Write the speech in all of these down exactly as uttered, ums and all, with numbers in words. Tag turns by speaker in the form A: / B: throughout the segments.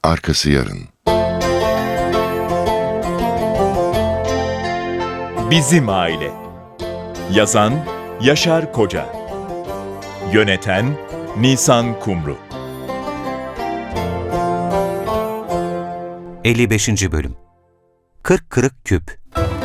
A: arkası yarın.
B: Bizim Aile. Yazan Yaşar Koca. Yöneten Nisan Kumru.
C: elli beşinci. Bölüm. Kırk Kırık Küp.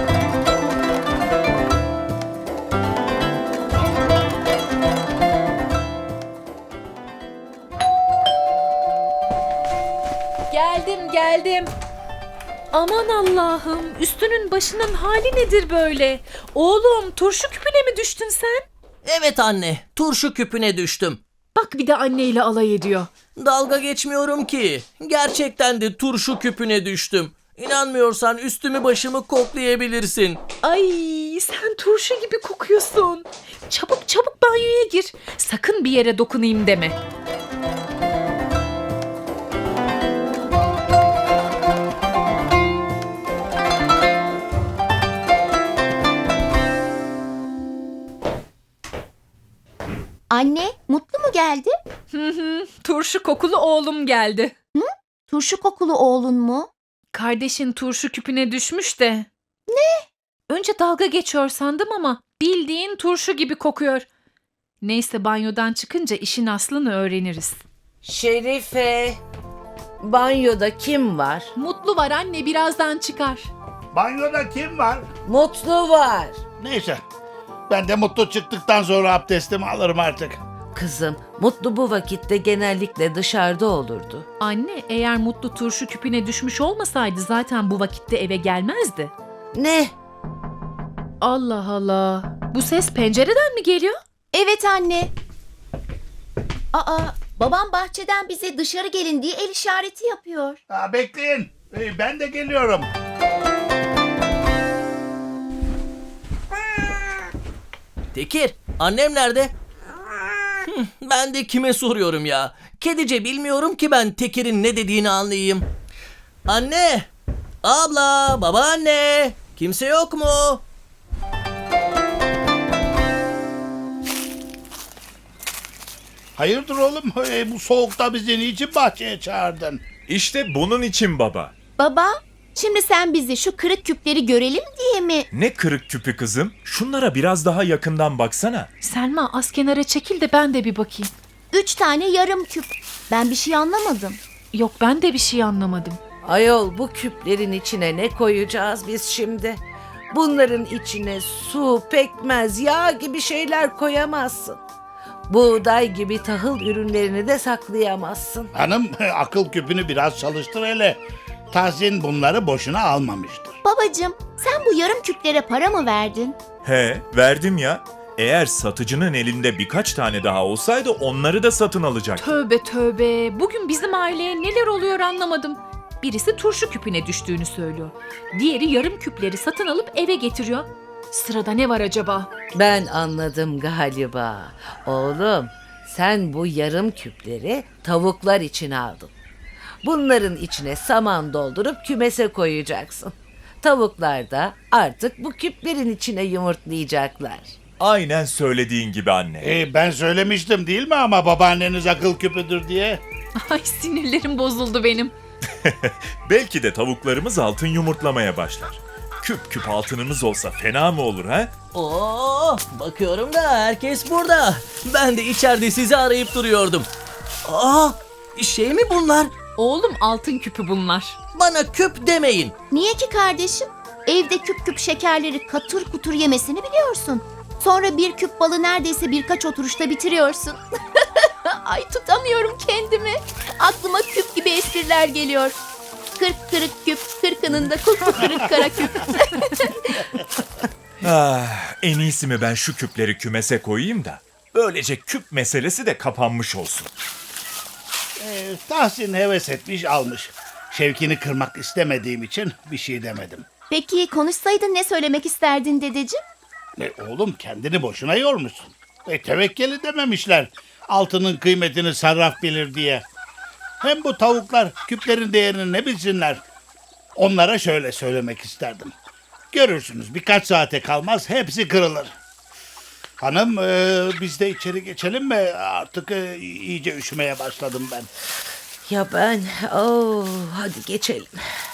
D: Geldim geldim. Aman Allah'ım, üstünün başının hali nedir böyle? Oğlum, turşu küpüne mi düştün sen?
E: Evet anne, turşu küpüne düştüm.
D: Bak bir de anneyle alay ediyor.
E: Dalga geçmiyorum ki. Gerçekten de turşu küpüne düştüm. İnanmıyorsan üstümü başımı koklayabilirsin.
D: Ay, sen turşu gibi kokuyorsun. Çabuk çabuk banyoya gir. Sakın bir yere dokunayım deme.
F: Anne, Mutlu mu geldi?
D: Hı hı, turşu kokulu oğlum geldi.
F: Turşu kokulu oğlun mu?
D: Kardeşin turşu küpüne düşmüş de. Ne? Önce dalga geçiyor sandım ama bildiğin turşu gibi kokuyor. Neyse, banyodan çıkınca işin aslını öğreniriz.
G: Şerife, banyoda kim var?
D: Mutlu var anne, birazdan çıkar.
H: Banyoda kim var?
G: Mutlu var.
H: Neyse. Ben de Mutlu çıktıktan sonra abdestimi alırım artık.
G: Kızım, Mutlu bu vakitte genellikle dışarıda olurdu.
D: Anne, eğer Mutlu turşu küpüne düşmüş olmasaydı zaten bu vakitte eve gelmezdi.
G: Ne?
D: Allah Allah. Bu ses pencereden mi geliyor?
F: Evet anne. Aa, babam bahçeden bize dışarı gelin diye el işareti yapıyor.
H: Ha, bekleyin. Ee, Ben de geliyorum.
E: Tekir, annem nerede? Hıh, ben de kime soruyorum ya? Kedice bilmiyorum ki ben Tekir'in ne dediğini anlayayım. Anne! Abla! Babaanne! Kimse yok mu?
H: Hayırdır oğlum? Ee, Bu soğukta bizi niçin bahçeye çağırdın?
B: İşte bunun için baba.
F: Baba, şimdi sen bizi şu kırık küpleri görelim diye mi?
B: Ne kırık küpü kızım? Şunlara biraz daha yakından baksana.
D: Selma, az kenara çekil de ben de bir bakayım.
F: Üç tane yarım küp. Ben bir şey anlamadım.
D: Yok, ben de bir şey anlamadım.
G: Ayol, bu küplerin içine ne koyacağız biz şimdi? Bunların içine su, pekmez, yağ gibi şeyler koyamazsın. Buğday gibi tahıl ürünlerini de saklayamazsın.
H: Hanım, akıl küpünü biraz çalıştır hele. Tahsin bunları boşuna almamıştır.
F: Babacığım, sen bu yarım küplere para mı verdin?
B: He, verdim ya. Eğer satıcının elinde birkaç tane daha olsaydı onları da satın alacaktı.
D: Tövbe tövbe. Bugün bizim aileye neler oluyor anlamadım. Birisi turşu küpüne düştüğünü söylüyor. Diğeri yarım küpleri satın alıp eve getiriyor. Sırada ne var acaba?
G: Ben anladım galiba. Oğlum, sen bu yarım küpleri tavuklar için aldın. Bunların içine saman doldurup kümese koyacaksın. Tavuklar da artık bu küplerin içine yumurtlayacaklar.
B: Aynen söylediğin gibi anne.
H: Ee, ben söylemiştim değil mi ama babaanneniz akıl küpüdür diye?
D: Ay, sinirlerim bozuldu benim.
B: Belki de tavuklarımız altın yumurtlamaya başlar. Küp küp altınımız olsa fena mı olur ha?
E: Oo, bakıyorum da herkes burada. Ben de içeride sizi arayıp duruyordum. Aa, şey mi bunlar?
D: Oğlum, altın küpü bunlar.
E: Bana küp demeyin.
F: Niye ki kardeşim? Evde küp küp şekerleri katır kutur yemesini biliyorsun. Sonra bir küp balı neredeyse birkaç oturuşta bitiriyorsun. Ay, tutamıyorum kendimi. Aklıma küp gibi espriler geliyor. Kırk kırık küp, kırkının da kulpu kırık kara küp.
B: Ah, en iyisi mi ben şu küpleri kümese koyayım da böylece küp meselesi de kapanmış olsun.
H: Ee, Tahsin heves etmiş almış. Şevkini kırmak istemediğim için bir şey demedim.
F: Peki konuşsaydın ne söylemek isterdin dedeciğim?
H: E, oğlum kendini boşuna yormuşsun. E, tevekkeli dememişler. Altının kıymetini sarraf bilir diye. Hem bu tavuklar küplerin değerini ne bilsinler. Onlara şöyle söylemek isterdim. Görürsünüz birkaç saate kalmaz hepsi kırılır. Hanım e, biz de içeri geçelim mi? Artık e, iyice üşümeye başladım ben.
G: Ya ben? Oo, hadi geçelim.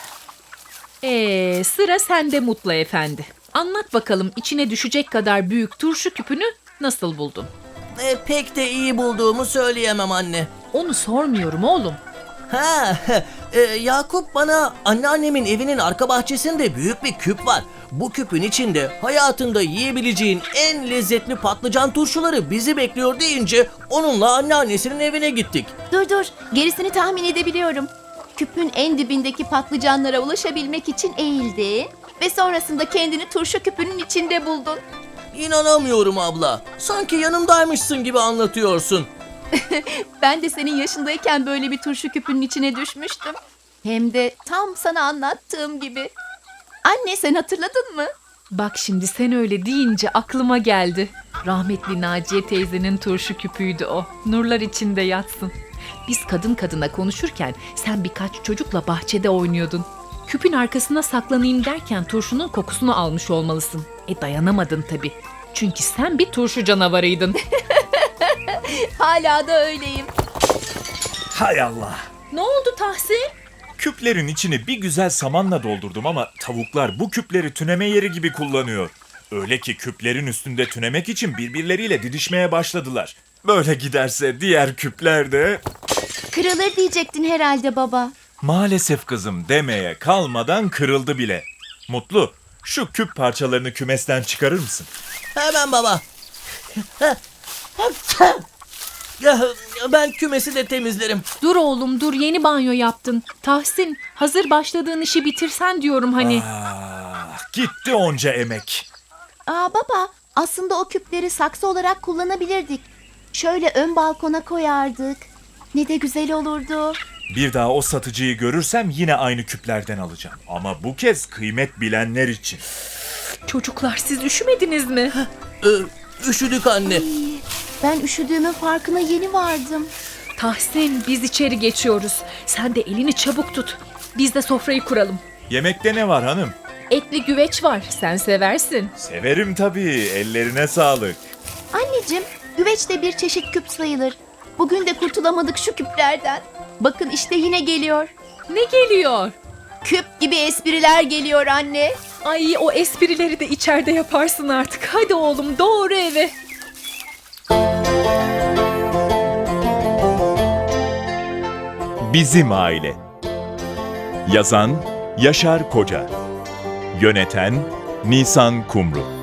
D: Ee, sıra sende Mutlu Efendi. Anlat bakalım içine düşecek kadar büyük turşu küpünü nasıl buldun?
E: E, pek de iyi bulduğumu söyleyemem anne.
D: Onu sormuyorum oğlum.
E: Ha, e, Yakup bana anneannemin evinin arka bahçesinde büyük bir küp var. Bu küpün içinde hayatında yiyebileceğin en lezzetli patlıcan turşuları bizi bekliyor deyince onunla anneannesinin evine gittik.
F: Dur dur, gerisini tahmin edebiliyorum. Küpün en dibindeki patlıcanlara ulaşabilmek için eğildin ve sonrasında kendini turşu küpünün içinde buldun.
E: İnanamıyorum abla. Sanki yanımdaymışsın gibi anlatıyorsun.
F: Ben de senin yaşındayken böyle bir turşu küpünün içine düşmüştüm. Hem de tam sana anlattığım gibi. Anne, sen hatırladın mı?
D: Bak şimdi sen öyle deyince aklıma geldi. Rahmetli Naciye teyzenin turşu küpüydü o. Nurlar içinde yatsın. Biz kadın kadına konuşurken sen birkaç çocukla bahçede oynuyordun. Küpün arkasına saklanayım derken turşunun kokusunu almış olmalısın. E dayanamadın tabii. Çünkü sen bir turşu canavarıydın.
F: Hala da öyleyim.
B: Hay Allah.
D: Ne oldu Tahsin?
B: Küplerin içini bir güzel samanla doldurdum ama tavuklar bu küpleri tüneme yeri gibi kullanıyor. Öyle ki küplerin üstünde tünemek için birbirleriyle didişmeye başladılar. Böyle giderse diğer küpler de...
F: Kırılır diyecektin herhalde baba.
B: Maalesef kızım demeye kalmadan kırıldı bile. Mutlu, şu küp parçalarını kümesten çıkarır mısın?
E: Hemen baba. Ya, ben kümesi de temizlerim.
D: Dur oğlum dur, yeni banyo yaptın. Tahsin, hazır başladığın işi bitirsen diyorum hani.
B: Ah, gitti onca emek.
F: Aa baba, aslında o küpleri saksı olarak kullanabilirdik. Şöyle ön balkona koyardık. Ne de güzel olurdu.
B: Bir daha o satıcıyı görürsem yine aynı küplerden alacağım. Ama bu kez kıymet bilenler için.
D: Çocuklar siz üşümediniz mi?
E: Ee, üşüdük anne.
F: Ben üşüdüğümün farkına yeni vardım.
D: Tahsin, biz içeri geçiyoruz. Sen de elini çabuk tut. Biz de sofrayı kuralım.
B: Yemekte ne var hanım?
D: Etli güveç var, sen seversin.
B: Severim tabii, ellerine sağlık.
F: Anneciğim, güveç de bir çeşit küp sayılır. Bugün de kurtulamadık şu küplerden. Bakın işte yine geliyor.
D: Ne geliyor?
F: Küp gibi espriler geliyor anne.
D: Ay, o esprileri de içeride yaparsın artık. Hadi oğlum, doğru eve.
B: Bizim Aile. Yazan Yaşar Koca. Yöneten Nisan Kumru.